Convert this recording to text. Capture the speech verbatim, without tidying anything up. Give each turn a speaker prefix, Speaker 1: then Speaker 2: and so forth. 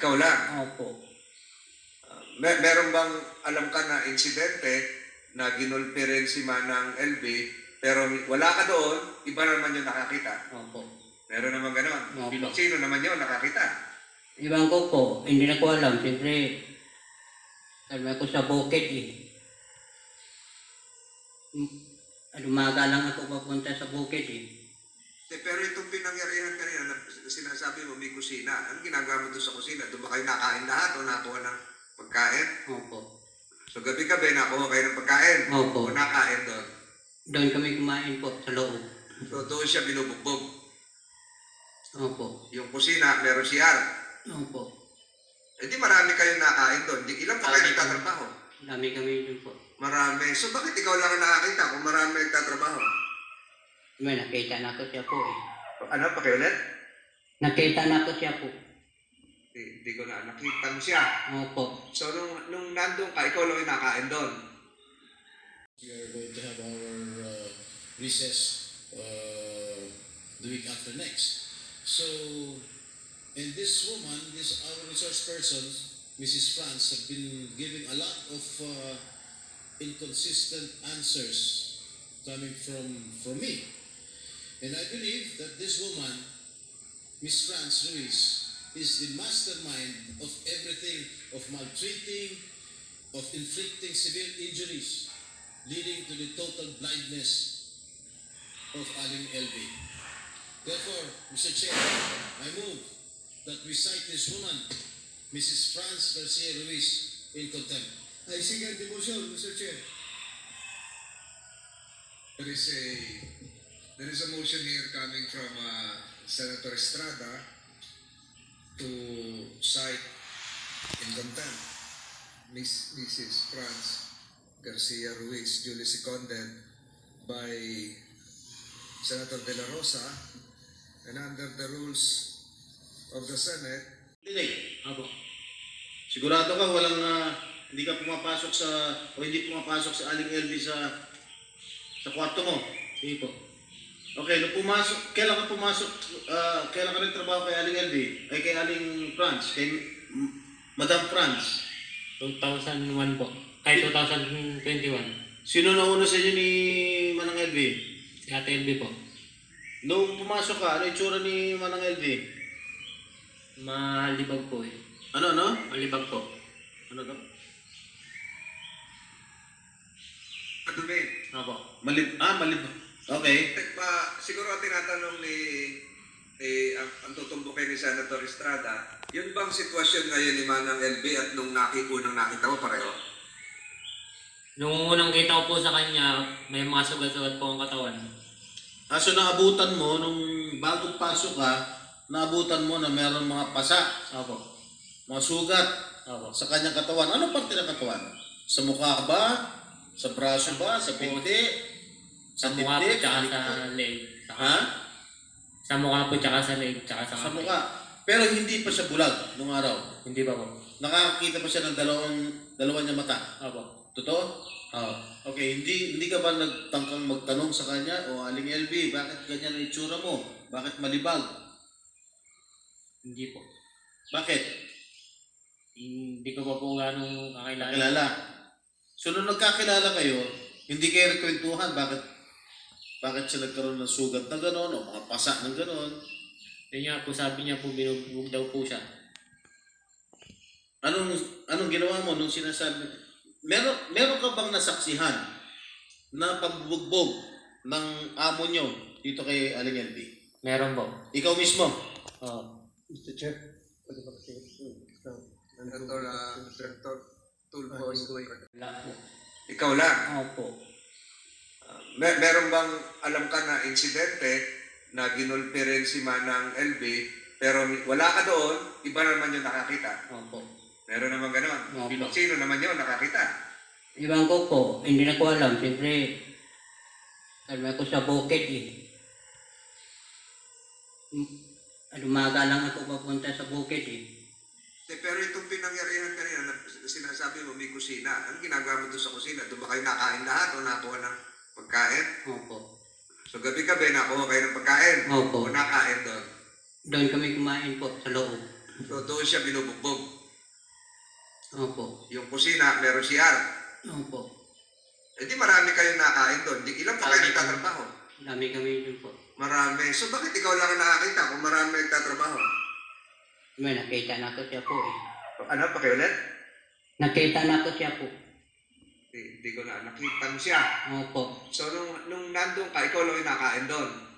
Speaker 1: Ikaw lang.
Speaker 2: Opo.
Speaker 1: Uh, mer meron bang alam ka na insidente na ginulpi rin si Manang L B pero wala ka doon, iba naman yung nakakita?
Speaker 2: Opo.
Speaker 1: Meron naman ganon.
Speaker 2: Opo.
Speaker 1: Sino naman yun nakakita?
Speaker 2: Ibang ko po, hindi na ko alam. Siyempre, alam ako sa bukid eh. Umaga lang ako papunta sa bukid eh.
Speaker 1: Eh, pero itong pinangyarihan kanina na sinasabi mo may kusina, ano ginagawa mo doon sa kusina? Doon ba kayo nakain lahat o nakuha ng pagkain?
Speaker 2: Opo.
Speaker 1: So gabi-gabi nakuha kayo ng pagkain?
Speaker 2: Opo.
Speaker 1: O nakain doon?
Speaker 2: Doon kami kumain po sa loob.
Speaker 1: So doon siya binubugbog?
Speaker 2: Opo.
Speaker 1: Yung kusina, meron C R?
Speaker 2: Opo.
Speaker 1: Eh di marami kayong nakain doon. Di, ilan pa kayo nagtatrabaho?
Speaker 2: Dami kami doon po.
Speaker 1: Marami. So bakit ikaw lang ang nakakita kung marami nagtatrabaho?
Speaker 2: May nakita na ko siya po eh.
Speaker 1: Ano, pakiulit?
Speaker 2: Nakita na ko siya po.
Speaker 1: Di, di ko na nakita mo siya.
Speaker 2: Opo.
Speaker 1: So nung, nung nandun ka, ikaw lang yung nakain doon.
Speaker 3: We are going to have our uh, recess uh, the week after next. So, and this woman, this our resource person, Missus France, have been giving a lot of uh, inconsistent answers coming from from me. And I believe that this woman, Miss France Ruiz, is the mastermind of everything, of maltreating, of inflicting severe injuries, leading to the total blindness of Aling L B. Therefore, Mister Chair, I move that we cite this woman, Missus France Garcia Ruiz, in contempt.
Speaker 4: I second the motion, Mister Chair.
Speaker 5: There is a there is a motion here coming from uh, Senator Estrada to cite in contempt Miss Missus France Garcia Ruiz, duly seconded by Senator De La Rosa, and under the rules of the Senate.
Speaker 3: Dinig. Apo. Sigurado ka walang uh, hindi ka pumapasok sa o hindi pumapasok sa Aling L B sa sa kwarto mo. Sige po. Okay, nung pumasok, kailan ka pumasok, uh, kailan ka nagtrabaho kay Aling L B? Ay kay Aling France, kay M- Madam France.
Speaker 6: two thousand one po. Ay, two thousand twenty-one.
Speaker 3: Sino na una sa inyo ni Manang L B?
Speaker 6: Si Ate L B po.
Speaker 3: Nung pumasok ka, ano itsura ni Manang L B?
Speaker 6: Malibag po eh.
Speaker 3: Ano, ano?
Speaker 6: Malibag po.
Speaker 3: Ano to?
Speaker 1: Madumi.
Speaker 6: Opo.
Speaker 3: Malib, ah, malib. Okay.
Speaker 1: Pa, siguro ang tinatanong ni eh, ang, ang tutumbukin ni Senator Estrada, yun bang sitwasyon ngayon ni Manang L B at nung nakikunang nakita mo pareho?
Speaker 6: Nung unang kita ko po sa kanya, may mga sugat-sugat po ang katawan.
Speaker 3: Ah, so naabutan mo, nung bagong pasok ka, naabutan mo na meron mga pasa,
Speaker 6: Opo.
Speaker 3: mga sugat
Speaker 6: Opo.
Speaker 3: sa kanyang katawan. Ano parte ng katawan? Sa mukha ba? Sa braso ba? Sa pinti?
Speaker 6: Sa mukha po tsaka sa leg. Saka,
Speaker 3: Ha?
Speaker 6: Sa mukha po tsaka sa leg tsaka sa
Speaker 3: Sa
Speaker 6: kamay.
Speaker 3: mukha. Pero hindi pa siya bulag nung araw.
Speaker 6: Hindi pa po.
Speaker 3: Nakakakita pa siya ng dalawang, dalawa niya mata.
Speaker 6: Opo.
Speaker 3: Totoo?
Speaker 6: Oo.
Speaker 3: Okay, hindi hindi ka ba nagtangkang magtanong sa kanya, o Aling L B, bakit ganyan ang itsura mo? Bakit malibag?
Speaker 6: Hindi po.
Speaker 3: Bakit?
Speaker 6: Hindi ko pa po ganong kakilala.
Speaker 3: Kilala. So nung nagkakilala kayo, hindi kayo nagkwentuhan, bakit bakit siya nagkaroon ng sugat na gano'n, o mga pasa ng gano'n?
Speaker 6: Yun nga po, sabi niya po, binugbog daw po siya.
Speaker 3: Anong anong ginawa mo nung sinasabi? Meron meron ka bang nasaksihan na pagbubugbog ng amo nyo dito kay Aling L B?
Speaker 6: Meron po.
Speaker 3: Ikaw mismo?
Speaker 6: Oo.
Speaker 4: Mister Chair, pwede ba kasi
Speaker 1: Senator, uh, Senator Tulfo.
Speaker 2: Wala po.
Speaker 1: Ikaw lang.
Speaker 2: Opo.
Speaker 1: Uh, mer meron bang alam ka na insidente na ginulpi rin si Manang L B pero wala ka doon, iba naman yung nakakita?
Speaker 2: Opo.
Speaker 1: Meron naman ganon.
Speaker 2: Opo.
Speaker 1: Sino naman yun nakakita?
Speaker 2: Ibang ko po, hindi na ko alam. Siyempre, alam ako sa bukid eh. Umaga lang ako papunta sa bukid eh.
Speaker 1: Eh, pero itong pinangyarihan kanina na sinasabi mo may kusina, ano ginagawa mo doon sa kusina? Doon ba kayo nakain lahat o nakuha ng pagkain?
Speaker 2: Opo.
Speaker 1: So gabi-gabi nakuha kayo ng pagkain?
Speaker 2: Opo.
Speaker 1: O nakain doon?
Speaker 2: Doon kami kumain po sa loob.
Speaker 1: So So doon siya binubugbog.
Speaker 2: Opo.
Speaker 1: Yung kusina, meron C R.
Speaker 2: Opo.
Speaker 1: Eh di marami kayong nakain doon. Di, ilan pa kayo
Speaker 2: Marami
Speaker 1: nagtatrabaho?
Speaker 2: Dami kami dun po.
Speaker 1: Marami. So bakit ikaw lang ang nakakita kung marami nagtatrabaho?
Speaker 2: May nakita na ko siya po eh.
Speaker 1: Ano, pakiulit?
Speaker 2: Nakita na ko siya po.
Speaker 1: Hindi, hindi ko na nakita mo siya.
Speaker 2: Opo.
Speaker 1: So nung, nung nandun ka, ikaw lang yung nakain doon.